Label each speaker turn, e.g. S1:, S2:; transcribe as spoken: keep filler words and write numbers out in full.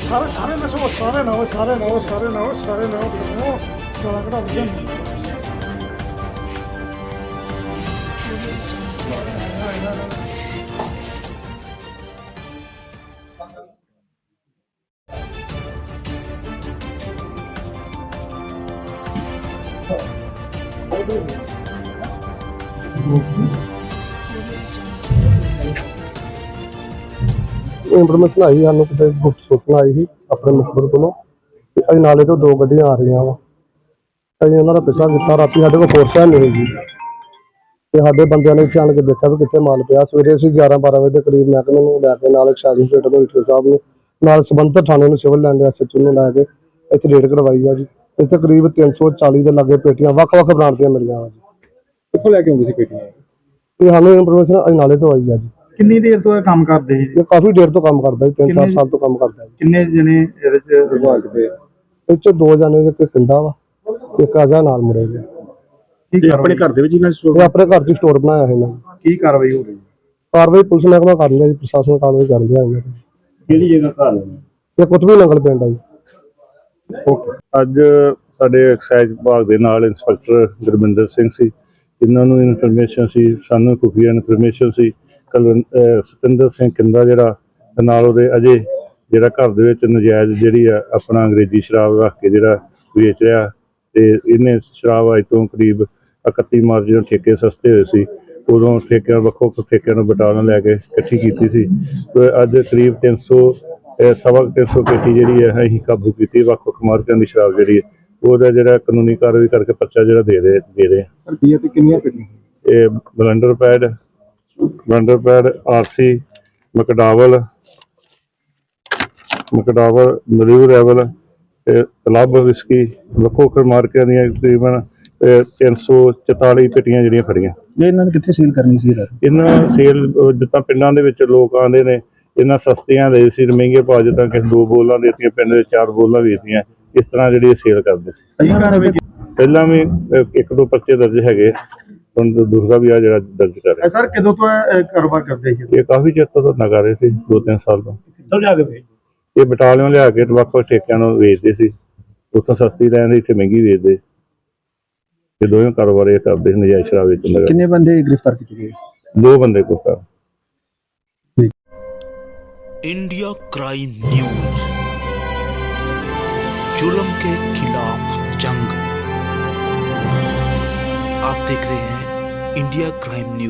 S1: ਸਾਰੇ ਸਾਰੇ ਨਸੋ ਸਾਰੇ ਨਾ ਸਾਰੇ ਨਾ ਸਾਰੇ ਨਾ ਸਾਰੇ ਨਾ ਕਿਸਮੋਂ ਗਾਲਾਂ ਕਢਾ ਦਿੰਦੇ
S2: ਇਨਫੋਰਮੇਸ਼ਨ ਆਈ ਸਾਨੂੰ ਕਿਤੇ ਗੁਪਤ ਸੂਚਨਾ ਆਈ ਸੀ ਆਪਣੇ ਮੁਖਬਰ ਕੋਲੋਂ ਕਿ ਅਸੀਂ ਨਾਲੇ ਤੋਂ ਦੋ ਗੱਡੀਆਂ ਆ ਰਹੀਆਂ ਵਾ। ਅਸੀਂ ਉਹਨਾਂ ਦਾ ਪਿੱਛਾ ਕੀਤਾ। ਰਾਤੀ ਸਾਡੇ ਕੋਲ ਫੋਰਸ ਹੈ ਨਹੀਂ ਹੈਗੀ ਤੇ ਸਾਡੇ ਬੰਦਿਆਂ ਨੇ ਇੱਥੇ ਆਣ ਕੇ ਦੇਖਿਆ ਵੀ ਕਿੱਥੇ ਮਾਲ ਪਿਆ। ਸਵੇਰੇ ਅਸੀਂ ਗਿਆਰਾਂ ਬਾਰਾਂ ਵਜੇ ਦੇ ਕਰੀਬ ਮਹਿਕਮੇ ਨੂੰ ਲੈ ਕੇ ਨਾਲ ਐਕਸਾਈਜ਼ ਇੰਸਪੈਕਟਰ ਨੂੰ ਈਟਰ ਸਾਹਿਬ ਨੂੰ ਨਾਲ ਸੰਬੰਧਿਤ ਥਾਣੇ ਨੂੰ ਸਿਵਲ ਲਾਈਨ ਦੇ ਐਸ ਐਚ ਓ ਨੂੰ ਲੈ ਕੇ ਇੱਥੇ ਰੇਡ ਕਰਵਾਈ ਆ ਜੀ। ਇੱਥੇ ਕਰੀਬ ਤਿੰਨ ਸੌ ਚਾਲੀ ਦੇ ਲਾਗੇ ਪੇਟੀਆਂ ਵੱਖ ਵੱਖ ਬਰਾਂਡ ਦੀਆਂ ਮਿਲੀਆਂ ਵਾ ਜੀ।
S3: ਕਿੱਥੋਂ ਲੈ ਕੇ ਆਉਂਦੇ ਸੀ ਪੇਟੀਆਂ?
S2: ਇਹ ਸਾਨੂੰ ਇਨਫੋਰਮੇਸ਼ਨ ਅਸੀਂ ਨਾਲੇ ਤੋਂ ਆਈ ਆ ਜੀ।
S3: ਕਿੰਨੀ ਦੇਰ ਤੋਂ ਇਹ ਕੰਮ ਕਰਦੇ ਸੀ?
S2: ਇਹ ਕਾਫੀ ਦੇਰ ਤੋਂ ਕੰਮ ਕਰਦਾ ਜੀ, ਤਿੰਨ ਚਾਰ ਸਾਲ ਤੋਂ ਕੰਮ ਕਰਦਾ ਜੀ।
S3: ਕਿੰਨੇ ਜਣੇ ਇਹਦੇ ਚ ਵਿਭਾਗ ਦੇ?
S2: ਇਹ 'ਚ ਦੋ ਜਣੇ ਇੱਕ ਪਿੰਡਾ ਵਾ ਇੱਕ ਆਜਾ ਨਾਲ ਮੁੜੇ ਜੀ।
S3: ਕੀ ਆਪਣੇ ਘਰ ਦੇ ਵਿੱਚ ਇਹਨਾਂ
S2: ਇਹ ਆਪਣੇ ਘਰ 'ਚ ਸਟੋਰ ਬਣਾਇਆ ਹੈ ਇਹਨਾਂ ਨੇ।
S3: ਕੀ ਕਾਰਵਾਈ ਹੋ ਰਹੀ ਹੈ?
S2: ਕਾਰਵਾਈ ਪੁਲਿਸ ਮਹਿਕਮਾ ਕਰ ਲਿਆ ਜੀ, ਪ੍ਰਸ਼ਾਸਨ ਕਾਰਵਾਈ ਕਰ ਲਿਆ ਇਹਨਾਂ ਤੇ।
S3: ਕਿਹੜੀ ਜਗ੍ਹਾ ਘਰ ਹੈ?
S2: ਇਹ ਕੁਤਬੀ ਨੰਗਲ ਪਿੰਡ ਆ ਜੀ।
S4: ਓਕੇ, ਅੱਜ ਸਾਡੇ ਐਕਸਾਈਜ਼ ਵਿਭਾਗ ਦੇ ਨਾਲ ਇੰਸਪੈਕਟਰ ਗੁਰਮਿੰਦਰ ਸਿੰਘ ਸੀ। ਇਹਨਾਂ ਨੂੰ ਇਨਫੋਰਮੇਸ਼ਨ ਸੀ, ਸਾਨੂੰ ਖੁਫੀਆ ਇਨਫੋਰਮੇਸ਼ਨ ਸੀ ਕਲ ਸਤਿੰਦਰ ਸਿੰਘ ਕਿੰਦਾ ਜਿਹੜਾ ਤੇ ਨਾਲ ਉਹਦੇ ਅਜੇ ਜਿਹੜਾ ਘਰ ਦੇ ਵਿੱਚ ਨਜਾਇਜ਼ ਜਿਹੜੀ ਆ ਆਪਣਾ ਅੰਗਰੇਜ਼ੀ ਸ਼ਰਾਬ ਰੱਖ ਕੇ ਜਿਹੜਾ ਵੇਚ ਰਿਹਾ ਤੇ ਇਹਨੇ ਸ਼ਰਾਬ ਅੱਜ ਤੋਂ ਕਰੀਬ ਇਕੱਤੀ ਮਾਰਚ ਜਦੋਂ ਠੇਕੇ ਸਸਤੇ ਹੋਏ ਸੀ ਉਦੋਂ ਠੇਕਿਆਂ ਵੱਖੋ ਵੱਖ ਠੇਕਿਆਂ ਨੂੰ ਬਟਾਲਾ ਲੈ ਕੇ ਇਕੱਠੀ ਕੀਤੀ ਸੀ। ਤੇ ਅੱਜ ਕਰੀਬ ਤਿੰਨ ਸੌ ਸਵਾ ਤਿੰਨ ਸੌ ਪੇਟੀ ਜਿਹੜੀ ਹੈ ਅਸੀਂ ਕਾਬੂ ਕੀਤੀ। ਵੱਖ ਵੱਖ ਮਾਰਕਿਆਂ ਦੀ ਸ਼ਰਾਬ ਜਿਹੜੀ ਹੈ ਉਹਦਾ ਜਿਹੜਾ ਕਾਨੂੰਨੀ ਕਾਰਵਾਈ ਕਰਕੇ ਪਰਚਾ ਜਿਹੜਾ ਦੇ ਦੇ ਦੇ ਰਹੇ
S3: ਰੁਪਈਏ ਤੇ ਕਿੰਨੀਆਂ ਪੇਟੀਆਂ?
S4: ਇਹ blenders pride blenders pride RC McDowell McDowell ਮਰੀਊ ਰੈਵਲ ਤੇ ਕਲੱਬ ਵਿਸਕੀ ਵੱਖੋ ਵੱਖ ਮਾਰਕਿਆਂ ਦੀਆਂ ਤਕਰੀਬਨ ਤਿੰਨ ਸੌ ਚੁਤਾਲੀ ਪੇਟੀਆਂ ਜਿਹੜੀਆਂ ਫੜੀਆਂ।
S3: ਇਹਨਾਂ ਨੇ ਕਿੱਥੇ ਸੇਲ ਕਰਨੀ ਸੀ?
S4: ਇਹਨਾਂ ਸੇਲ ਜਿੱਦਾਂ ਪਿੰਡਾਂ ਦੇ ਵਿੱਚ ਲੋਕ ਆਉਂਦੇ ਨੇ ਇਹਨਾਂ ਸਸਤੀਆਂ ਦੇ ਸੀ ਮਹਿੰਗੇ ਭਾਅ, ਜਿੱਦਾਂ ਕਿਸੇ ਦੋ ਬੋਲਾਂ ਦੇਤੀਆਂ ਪਿੰਡ ਦੇ ਚਾਰ ਬੋਲਾਂ ਵੇਚਦੀਆਂ, ਇਸ ਤਰ੍ਹਾਂ ਜਿਹੜੀ ਸੇਲ ਕਰਦੇ ਸੀ। ਪਹਿਲਾਂ ਵੀ ਇੱਕ ਦੋ ਪਰਚੇ ਦਰਜ ਹੈਗੇ, ਹੁਣ ਦੂਸਰਾ ਵੀ ਆ ਜਿਹੜਾ ਦਰਜ ਕਰ ਰਿਹਾ।
S3: ਸਰ ਕਦੋਂ ਤੋਂ ਇਹ ਕਾਰੋਬਾਰ ਕਰਦੇ ਸੀ?
S4: ਇਹ ਕਾਫੀ ਚਿਰ ਤੋਂ ਧੰਦਾ ਕਰ ਰਹੇ ਸੀ, ਦੋ ਤਿੰਨ ਸਾਲ ਤੋਂ।
S3: ਕਿੱਥੋਂ ਲਿਆ ਕੇ?
S4: ਇਹ ਬਟਾਲਿਓਂ ਲਿਆ ਕੇ ਵੱਖ ਵੱਖ ਠੇਕਿਆਂ ਨੂੰ ਵੇਚਦੇ ਸੀ, ਉੱਥੋਂ ਸਸਤੀ ਲੈਂਦੇ ਇੱਥੇ ਮਹਿੰਗੀ ਵੇਚਦੇ। ਇਹ ਦੋਵੇਂ ਕਾਰੋਬਾਰ ਇਹ ਕਰਦੇ ਸੀ, ਨਜਾਇਜ਼ ਸ਼ਰਾਬ ਵੇਚਣ ਦਾ।
S3: ਕਿੰਨੇ ਬੰਦੇ ਗ੍ਰਿਫਤਾਰ ਕੀਤੇ ਗਏ?
S4: ਦੋ ਬੰਦੇ ਕੋਲ।
S5: इंडिया क्राइम न्यूज, जुल्म के खिलाफ जंग। आप देख रहे हैं इंडिया क्राइम न्यूज।